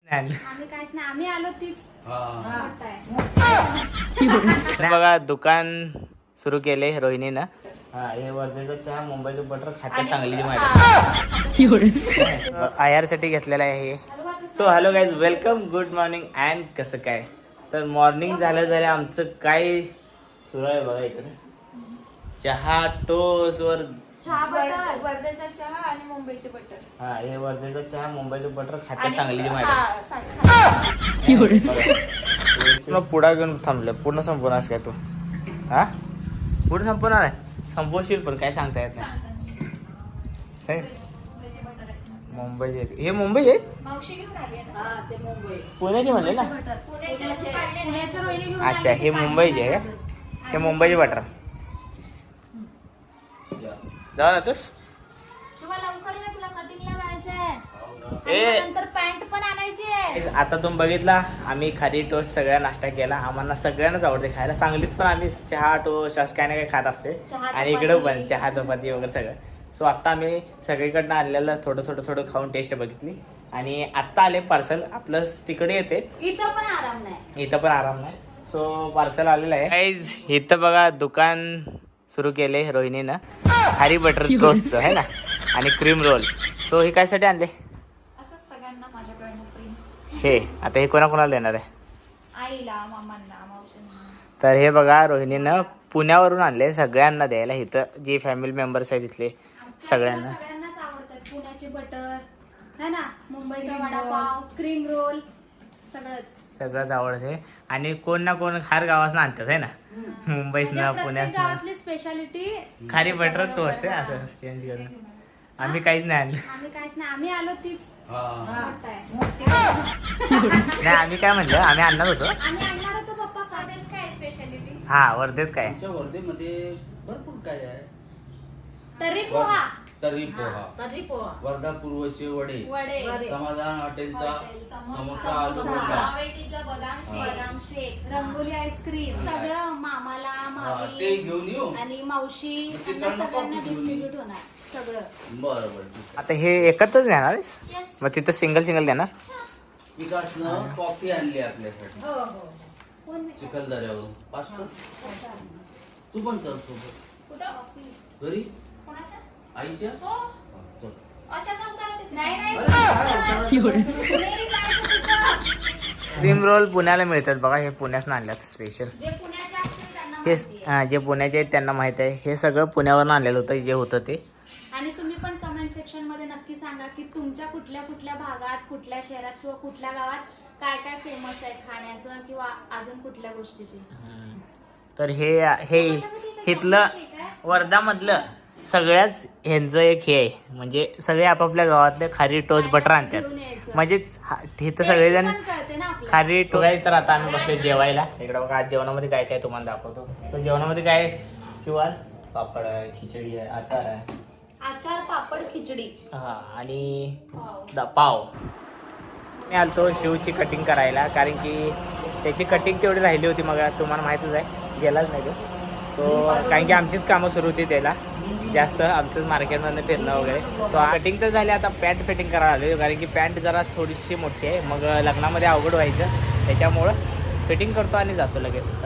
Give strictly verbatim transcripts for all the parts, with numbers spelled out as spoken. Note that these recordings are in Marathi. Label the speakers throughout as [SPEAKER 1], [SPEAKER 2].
[SPEAKER 1] आम्ही काहीच नाही, आम्ही आलो तीच
[SPEAKER 2] बघा दुकान सुरू केले रोहिणीनं. हा हे वर्धेचा चहा, मुंबईचं बटर खाते सांगली माहिती आय आर साठी घेतलेला आहे हे. So hello guys, welcome, good morning and कसं काय. तर मॉर्निंग झालं झालं आमचं काय सुरू आहे बघा इकडे. चहा टोस्ट वर
[SPEAKER 1] वर्धेचा चहा आणि मुंबईचे बटर.
[SPEAKER 2] हा हे वर्धेचा चहा, मुंबईचं बटर खाते सांगली माहिती. पूर्ण पुढा घेऊन थांबलं. पूर्ण संपवणार काय तू? हा पूर्ण संपवणार आहे? संपवशील पण काय सांगता येत नाही. मुंबईचे हे मुंबई आहे, पुण्याचे म्हणले ना. अच्छा हे मुंबईचे आहे का? हे मुंबईचे बटर. जाऊ ना तूस.
[SPEAKER 1] पॅन्ट पण आणायची आहे.
[SPEAKER 2] आता तुम्ही बघितला आम्ही खारी टोस्ट सगळ्या नाश्ता केला. आम्हाला सगळ्यांनाच आवडते खायला. सांगलीत पण आम्ही चहा टोस्ट असं काय ना काय खात असते आणि इकडं पण चहा चपाती वगैरे सगळं. सो आता आम्ही सगळीकडनं आणलेलं थोडं थोडं थोडं खाऊन टेस्ट बघितली आणि आत्ता आले पार्सल. आपलं तिकडे येते,
[SPEAKER 1] इथं पण आराम नाही,
[SPEAKER 2] इथं पण आराम नाही. सो पार्सल आलेलं आहे गाईज. इथं बघा दुकान सुरू केले रोहिणीनं. खारी बटर टोस्टचं आहे ना आणि क्रीम रोल. सो हे कायसाठी आणले? हे आता हे कोणाकोणाला देणार आहे?
[SPEAKER 1] आईला, मामांना, मावशींना.
[SPEAKER 2] तर हे बघा रोहिणीनं पुण्यावरून आणले सगळ्यांना द्यायला. इथं जे फॅमिली मेंबर्स आहेत तिथले सगळ्यांना
[SPEAKER 1] सगळ्यांनाच आवडतात. पुण्याचे बटर है ना, मुंबईचा वडापाव, क्रीम रोल, सगळंच
[SPEAKER 2] सगळंच आवडते. आणि कोण ना कोण खार गावासनं आणतात आहे ना, मुंबईसनं पुण्यात.
[SPEAKER 1] गावातली स्पेशालिटी
[SPEAKER 2] खारी बटर टोस्ट आहे असं चेंज करून. आम्ही काहीच नाही आणलं.
[SPEAKER 1] आम्ही काहीच नाही, आम्ही आलो तीच.
[SPEAKER 2] नाही आम्ही काय म्हणलं, आम्ही आणणार होतो.
[SPEAKER 1] आम्ही आणणार होतो पप्पा. साधेत काय स्पेशालिटी?
[SPEAKER 2] हा वर्धेत काय
[SPEAKER 3] आमच्या वर्धेमध्ये भरपूर काय आहे.
[SPEAKER 1] तर्री पोहा,
[SPEAKER 3] तर्री पोहा,
[SPEAKER 1] तर्री पोहा,
[SPEAKER 3] वर्धा पूर्वचे वडे,
[SPEAKER 1] वडे,
[SPEAKER 3] समाधान हॉटेलचा समोसा, आलू बोंडा,
[SPEAKER 1] सावेटीचा बदाम शेक, बदाम शेक, रंगोली आईस्क्रीम, सगळं मामाला,
[SPEAKER 3] हा,
[SPEAKER 1] मामी
[SPEAKER 3] ते घेऊन येऊ.
[SPEAKER 1] आणि मावशी
[SPEAKER 3] मग ते
[SPEAKER 1] यांना
[SPEAKER 3] त्यांना
[SPEAKER 1] सगळ्यांना
[SPEAKER 3] कॉफी घेऊन
[SPEAKER 1] डिस्ट्रीब्यूट होणार सगळं.
[SPEAKER 3] बरं बरं ठीक आहे.
[SPEAKER 2] आता हे एकत्रच देणार आहेस?
[SPEAKER 1] Yes.
[SPEAKER 2] मग तिथं सिंगल सिंगल देणार?
[SPEAKER 3] विकासनं कॉफी आणली आपल्यासाठी
[SPEAKER 1] हो हो. कोण विचार?
[SPEAKER 3] चिखलदऱ्यावरून. पाच पण तू पण चल सोबत.
[SPEAKER 1] कुठं?
[SPEAKER 3] घरी
[SPEAKER 1] कोणाच्या?
[SPEAKER 3] आईच्या.
[SPEAKER 1] हो.
[SPEAKER 3] हा, चल.
[SPEAKER 1] अशा नव्हत्या. नाही नाही,
[SPEAKER 3] अरे, काय होतं?
[SPEAKER 1] पुणेरी जायचं तिथं.
[SPEAKER 2] क्रीम रोल पुण्याला मिळतात बघा. हे पुण्यातून आणल्यात स्पेशल.
[SPEAKER 1] जे पुण्याचे असतील त्यांना
[SPEAKER 2] हे
[SPEAKER 1] माहिती आहे.
[SPEAKER 2] हा, जे पुण्याचे आहेत त्यांना माहित आहे. हे सगळं पुण्यावरून आणलेलं होतं जे होतं ते.
[SPEAKER 1] आणि तुम्ही पण कमेंट सेक्शन मध्ये नक्की सांगा की तुमच्या कुठल्या कुठल्या भागात, कुठल्या शहरात किंवा कुठल्या गावात काय काय फेमस आहे खाण्याचं किंवा अजून कुठल्या गोष्टी ते.
[SPEAKER 2] तर हे हे इथलं वर्धामधलं सगळ्याच ह्यांचं एक हे आहे. म्हणजे सगळे आपापल्या गावातले खारी टोस्ट बटर आणतात. म्हणजेच हा- इथं सगळेजण
[SPEAKER 1] पण कळते ना आपल्याला.
[SPEAKER 2] खारी टोस्ट. तर आता आम्ही बसलो जेवायला. इकडं बघा आज जेवणामध्ये काय काय तुम्हाला दाखवतो. तर जेवणामध्ये काय आहे? शिवाज पापड आहे, खिचडी आहे, आचार आहे,
[SPEAKER 1] आचार, पापड, खिचडी,
[SPEAKER 2] हा आणि
[SPEAKER 1] पाव.
[SPEAKER 2] दा- पाव. मी आलतो शिवची कटिंग करायला कारण की त्याची कटिंग तेवढी राहिली होती. मग तुम्हाला माहीतच आहे, गेलाच नाही तो. तो कारण की आमचीच कामं सुरू होती त्याला जास्त. आमचंच मार्केटमधनं फिरणं वगैरे. तो कटिंग तर झाली. आता पॅन्ट फिटिंग करायला आलो कारण की पॅन्ट जरा थोडीशी मोठी आहे. मग लग्नामध्ये अवघड व्हायचं त्याच्यामुळं फिटिंग करतो आणि जातो लगेच.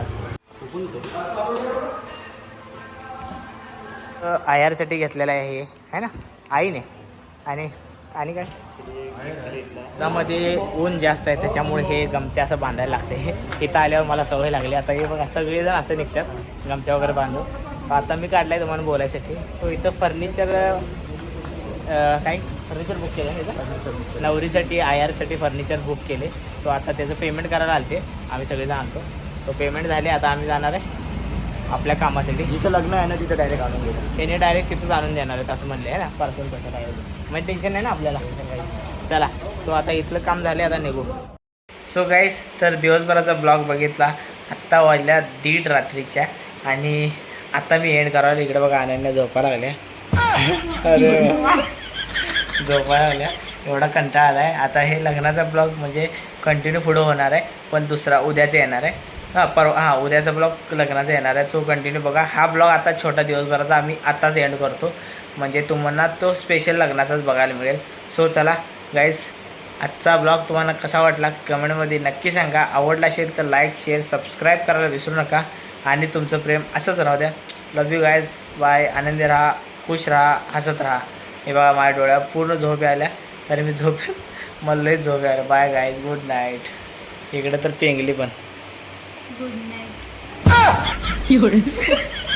[SPEAKER 2] आय आर साठी घेतलेलं आहे हे आहे ना आईने. आणि आणि काय त्यामध्ये ऊन जास्त आहे त्याच्यामुळे हे गमचे असं बांधायला लागते. इथं आल्यावर मला सवय लागली. आता हे बघा सगळेजण असं निघतात गमच्या वगैरे बांधून. आता मी काढलाय तुम्हाला बोलायसाठी. तो इथं फर्निचर काय फर्निचर बुक केलं आहे का? नवरीसाठी आय आरसाठी फर्निचर बुक केले. सो आता त्याचं पेमेंट करायला आलते. आम्ही सगळेजण आणतो. तो पेमेंट झाले. आता आम्ही जाणार आहे आपल्या कामासाठी. जिथं लग्न आहे ना तिथं डायरेक्ट आणून देतो. त्याने डायरेक्ट तिथंच आणून देणार आहेत असं म्हणले आहे ना. पार्सल कसं काय म्हणजे टेन्शन नाही ना आपल्याला. चला सो आता इथलं काम झाले, आता निघू. सो गाईस तर दिवसभराचा ब्लॉग बघितला. आत्ता वाजल्या दीड रात्रीच्या आणि आता मी एंड करायला. इकडे बघा अनन्या झोपा लागल्या. अरे झोपा लागल्या. एवढा कंटाळा आला आहे. आता हे लग्नाचा ब्लॉग म्हणजे कंटिन्यू पुढं होणार आहे. पण दुसरा उद्याचा येणार आहे. हां परवा हां उद्याचा ब्लॉग लग्नाचा येणार आहे. तो कंटिन्यू बघा. हा ब्लॉग आता छोटा दिवसभराचा आम्ही आताच एंड करतो म्हणजे तुम्हाला तो स्पेशल लग्नाचाच बघायला मिळेल. सो चला गाईस आजचा ब्लॉग तुम्हाला कसा वाटला कमेंटमध्ये नक्की सांगा. आवडला असेल तर लाईक शेअर सबस्क्राईब करायला विसरू नका आणि तुमचं प्रेम असंच राहू द्या. Love you guys. बाय. आनंदी राहा, खुश राहा, हसत राहा. हे बघा माझ्या डोळ्यात पूर्ण झोप आल्या तरी मी झोप मला लई झोप आल्या. Bye guys. Good night. इकडं तर पेंगली पण
[SPEAKER 1] गुड नाईट.